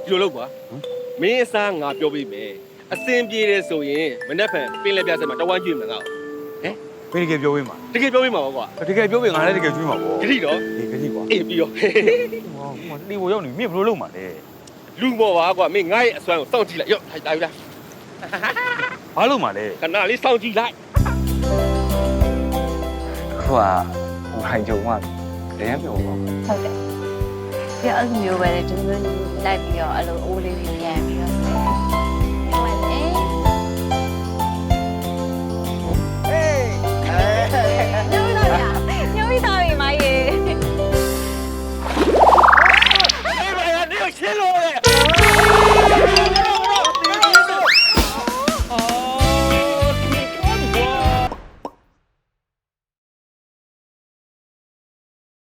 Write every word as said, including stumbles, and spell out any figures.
ဒီလိုလုပ်ကွာမင်းအစားငါပြောပေးမယ်အစင်ပြေတယ်ဆိုရင်မနေ့ဖန်ပင်လက်ပြဆက်မှာတဝမ်းကျွေးမှာငါ့ဟမ်ဘယ်တကယ်ပြောပေးမှာတကယ်ပြောပေးမှာပေါ့ကွာတကယ်ပြောပေးငါလည်းတကယ်ကျွေးမှာပေါ့ဂတိတော့ဒီကတိကွာအေးပြီးတော့ဟောဟိုတီဘိုရောက်နေမင်းဘယ်လိုလုပ်မှာလဲလူမော်ပါကွာမင်းငါ့ရဲ့အစွမ်းကိုစောင့်ကြည့်လိုက်ရော့ထိုင်တာယူလားဘာလုပ်မှာလဲခဏလေးစောင့်ကြည့်လိုက်ခုကဟိုဟိုင်ဂျုံကတည်းပြောပါဟုတ်တယ်ပြအဲ့လိုမျိုးပဲဒီလိုမျိုးလိုက်ပြီးတော့အဲ့လိုအိုးလေးတွေပြန်ပြီး